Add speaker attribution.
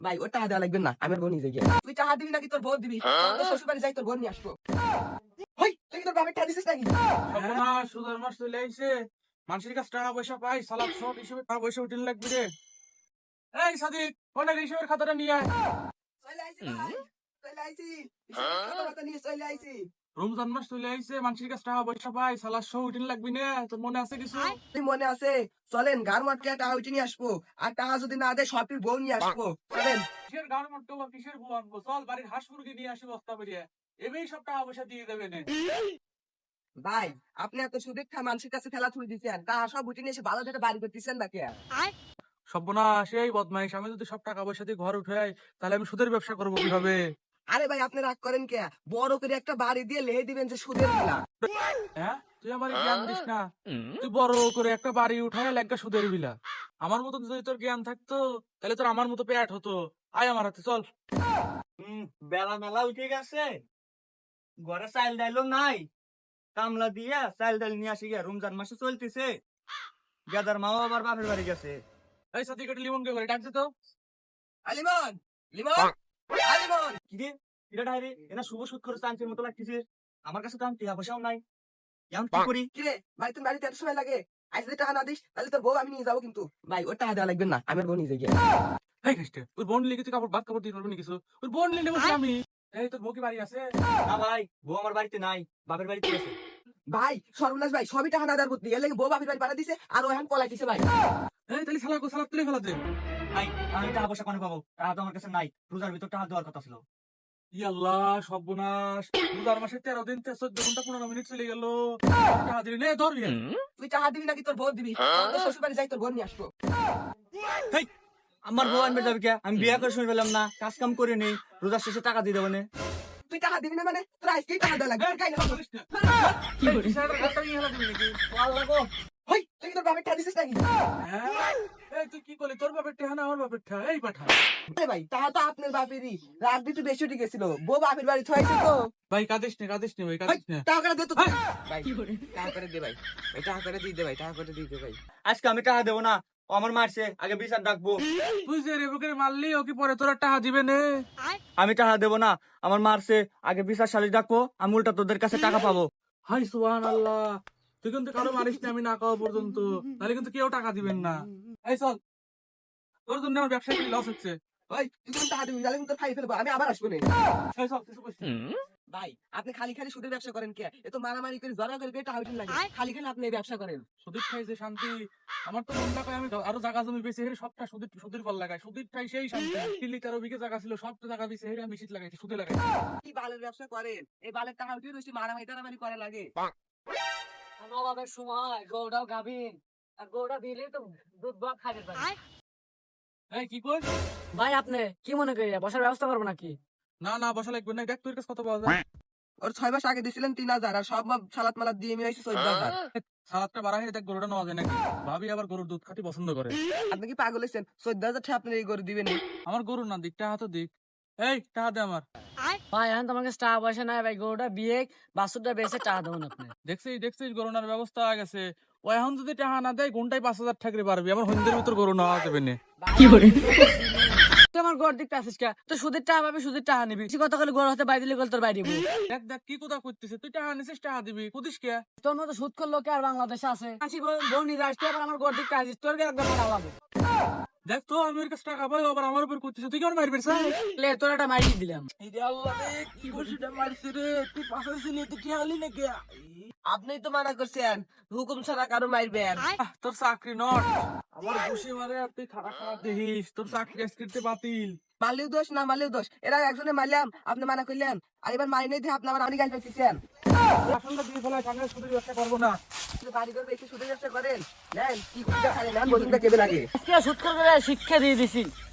Speaker 1: ভাই ওর টাকা দেওয়া লাগবে না, আমি বোন নিজে গিয়ে। তুই টাকা দিবি নাকি তোর বোন দিবি? তোর শ্বশুর বাড়ি যাই, তোর বোন নিয়ে আসবো। হই, তুই কি তোর বাপের টাকা দিছিস নাকি?
Speaker 2: সর্বনাশ, সুদের মাস চলে আইছে। মানুষের কাছে টাকা পয়সা পাই, সালাদ সব হিসেবে টাকা পয়সা উঠিন লাগবে রে। এই সাদিক, ফোনের হিসেবের খাতাটা নিয়ে আয়।
Speaker 1: চলে আইছি ভাই, চলে আইছি। কথা নিয়ে চলে আইছি।
Speaker 2: রমজান মাস চলে আইছে, মানুষের কাছে টাকা পয়সা পাই, সালাদ সব উঠিন লাগবে না। তোর মনে আছে কিছু?
Speaker 1: তুই মনে আছে? চলেন গার মাঠকে টাকা উঠে নিয়ে আসবো। আর টাকা যদি না দেয় সবটির বউ নিয়ে আসবো। চলেন।
Speaker 2: কিসের গান মট্টো বা কিসের বউ আনবো? চল বাড়ির হাঁস মুরগি নিয়ে আসি বস্তা বেরিয়ে, এবেই সব টাকা পয়সা দিয়ে দেবে নে।
Speaker 1: ভাই আপনি এত সুদীপ খা মানুষের কাছে খেলা তুলে দিচ্ছেন, টাকা সব উঠে নিয়ে এসে ভালো থেকে বাড়ি করতেছেন নাকি?
Speaker 2: সর্বনাশ, এই বদমাইশ, আমি যদি সব টাকা পয়সা দিয়ে ঘর উঠাই তাহলে আমি সুদের ব্যবসা করবো কিভাবে?
Speaker 1: আরে ভাই আপনি রাগ করেন কে? বড় করে একটা বাড়ি দিয়ে লেহে দিবেন যে সুদের বিলা।
Speaker 2: হ্যাঁ, তুই আমার জ্ঞান দিস না। তুই বড় করে একটা বাড়ি উঠায় একটা সুদের বিলা। আমার মতো যদি তোর জ্ঞান থাকতো তাহলে তোর আমার মতো পেট হতো। আয় আমার হাতে, চল।
Speaker 3: বেলা মেলা উঠে গেছে, ঘরে চাইল ডাইলও নাই। কামলা দিয়া চাইল ডাইল নিয়ে আসি গিয়া, রমজান মাসে চলতেছে। গেদার মাও আবার বাপের বাড়ি গেছে।
Speaker 2: এই সাথে একটা লিমন কে করে ডাকছে তো।
Speaker 1: আলিমন, লিমন, আলিমন।
Speaker 3: কি রে, এটা ডাইরে এনা শুভ সুদ খরচ আনছির মতো লাগতেছে। আমার কাছে তো আমি টাকা পয়সাও নাই, এখন কি করি?
Speaker 1: কি রে ভাই, তুমি বাড়িতে এত সময় লাগে? আজ যদি টাকা না দিস তাহলে তোর বউ আমি নিয়ে যাবো কিন্তু। ভাই ওর টাকা দেওয়া লাগবে না, আমি বোন নিজে গিয়ে।
Speaker 2: এই খ্রিস্টে, ওই বোন লিখে তুই কাপড় ভাত কাপড় দিয়ে পারবি না কিছু? ওই বোন লিখে বসে আমি। এই তোর বউ কি বাড়ি আছে?
Speaker 3: না ভাই, বউ আমার বাড়িতে নাই, বাপের বাড়িতে গেছে।
Speaker 1: ভাই সর্বনাশ ভাই, সবই টাকা না দেওয়ার বুদ্ধি, এর লাগে বউ বাপের বাড়ি পাঠা দিছে আর ও এখন পলাইতেছে ভাই।
Speaker 2: এই তাহলে সালাদ সালাদ তুলে ফেলাতে।
Speaker 3: ভাই আমি টাকা পয়সা কোনে পাবো? টাকা তো আমার কাছে নাই, রোজার ভিতর টাকা দেওয়ার কথা ছিল।
Speaker 2: ইয়াল্লাহ সর্বনাশ, রোজার মাসে 13 দিন 14 ঘন্টা 15 মিনিট চলে গেল। টাকা দিলি নে, ধর ইয়ে।
Speaker 1: তুই টাকা দিবি নাকি তোর বোন দিবি? তোর শ্বশুর বাড়ি যাই, তোর বোন নিয়ে আসবো।
Speaker 3: হেই, আমার বউ আনবে যাবে কে? আমি বিয়ে করে শুনে পেলাম না, কাজ কাম করে নেই, রোজার শেষে টাকা দিয়ে দেবো না।
Speaker 1: তুই টাকা দিবি না মানে তোর আজকেই টাকা দেওয়া লাগবে। কাই না
Speaker 2: কি করিস? একটা নিয়ে ফেলা দিবি নাকি?
Speaker 3: আল্লাহ গো,
Speaker 1: হই, তুই কি তোর বাপের টাকা দিছিস নাকি?
Speaker 2: হ্যাঁ? এই তুই কি করলি? তোর বাপের ঠেহা না আমার বাপের ঠেহা? এই পাঠা।
Speaker 1: আরে ভাই টাকা তো আপনার বাপেরই, রাত একটু বেশি উঠে গেছিল, বউ বাপের বাড়ি থয়েছে তো।
Speaker 2: ভাই কাঁদিস নে ভাই,
Speaker 1: ভাই,
Speaker 2: কাঁদিস না।
Speaker 1: টাকা করে দে তো। ভাই টাকা করে দে ভাই, ভাই টাকা করে দিয়ে দে ভাই, টাকা করে দিয়ে দে ভাই।
Speaker 3: আজকে আমি টাকা দেবো না, ও আমার মারছে, আগে বিচার ডাকবো।
Speaker 2: তুই যে রেবুকে মারলি, ও কি পরে তোরা টাকা দিবে নে?
Speaker 3: আমি টাকা দেবো না, আমার মারছে, আগে বিচার সালিশ ডাকবো, আমি উল্টা তোদের কাছে টাকা পাবো।
Speaker 2: হাই সুবহানাল্লাহ, তুই কিন্তু কারো মারিস না আমি না খাওয়া পর্যন্ত, তাহলে কিন্তু কেউ টাকা দিবেন না। এই চল, তোর জন্য আমার ব্যবসায় লস হচ্ছে।
Speaker 1: ভাই তুই যখন টাকা দিবি তাহলে কিন্তু খাই ফেলবো, আমি আবার আসবো না।
Speaker 2: এই চল, কিছু কইস না।
Speaker 1: ভাই আপনি খালি খালি সুদের ব্যবসা করেন কে? এ তো মারামারি করে জড়া করে টাকা উঠেন লাগে, খালি খালি আপনি এই ব্যবসা করেন।
Speaker 2: সুদীর ঠাই যে শান্তি, আমার তো মন না পায় আমি আরো জায়গা জমি বেশি হেরে সবটা সুদীর ফল লাগাই। সুদীর ঠাই সেই শান্তি। 3 বিঘে জায়গা ছিল, সব জায়গা বেশি হেরে আমি শীত লাগাইছি, সুদে লাগাই।
Speaker 1: কি বালের ব্যবসা করেন? এই বালের টাকা উঠিয়ে রয়েছে, মারামারি টারামারি করা লাগে।
Speaker 4: নবাবের সময় গৌড়াও গাভিন আর গৌড়া দিলে তো দুধ ভাত খাইতে পারে।
Speaker 2: এই কি কই?
Speaker 4: ভাই আপনি কি মনে করি বসার ব্যবস্থা করবো নাকি?
Speaker 2: না বসা লাগবে না, দেখ তোর কাছে কত পাওয়া যায়।
Speaker 1: ওর 6 মাস আগে দিছিলেন 3000, আর সব সালাত মালাত দিয়ে আমি হয়েছে 14,000।
Speaker 2: সালাদটা বাড়া হয়ে দেখ গরুটা নেওয়া যায় নাকি। ভাবি আবার গরুর দুধ খাতি পছন্দ করে।
Speaker 1: আপনি কি পাগল হয়েছেন? 14,000 টাকা আপনি এই করে দিবেন?
Speaker 2: আমার গরুর না দিক, টাকা তো দিক। এই টাকা দে আমার।
Speaker 4: ভাই এখন তোমার কাছে টাকা পয়সা নাই ভাই, গরুটা বিয়ে বাছুরটা বেঁচে টাকা দেবেন আপনি।
Speaker 2: দেখছিস গরুনার ব্যবস্থা হয়ে গেছে। ও এখন যদি টাকা না দেয় ঘন্টায় 5,000 ঠাকরে পারবি। আমার হন্দের ভিতর গরু নেওয়া যাবে না।
Speaker 4: তুই আমার গড় দিকতে আসিস কে? তুই সুদের টাকা পাবি, সুদের টাকা নিবি। বেশি কথা বলে গড় হতে বাইরে দিলে তোর বাইরে দিবো।
Speaker 2: দেখ কি কথা করতেছে, তুই টাকা নিছিস টাকা দিবি, কুদিস কে?
Speaker 4: তোর মতো সুদ করলো কে আর বাংলাদেশে আছে? আসি বোন নিয়ে আসতে আবার আমার গড় দিকতে আসিস, তোর একদম লাগবে।
Speaker 2: দেখ তো আমি ওর কাছে টাকা পাই, আবার আমার উপর করতেছে, তুই কেমন মারবি স্যার?
Speaker 4: লে তোর একটা মারিয়ে দিলাম।
Speaker 2: কি করছিস মারছি রে? তুই পাশে ছিলি, তুই খেয়ালি নাকি?
Speaker 1: আপনি তো মানা করছেন হুকুম ছাড়া কারো মারবেন।
Speaker 2: তোর চাকরি নট, আমার ঘুষি মারে আর তুই খারাপ দেখিস, তোর চাকরি আজকে বাতিল।
Speaker 1: মারলেও দোষ না মারলেও দোষ, এরা একজনে মারলাম আপনি মানা করলেন, আর এবার মারি নেই দিয়ে আপনি আমার অনেক গাছ পাইতেছেন।
Speaker 2: আসলটা দিয়ে ফেলায়, আমি সুদের ব্যবসা করবো না।
Speaker 1: বাড়ি করবে একটু সুদের ব্যবসা করেন, নেন কি করতে খালি নেন, বসুনটা কেবে লাগে।
Speaker 4: আজকে সুদ করে শিক্ষা দিয়ে দিছি।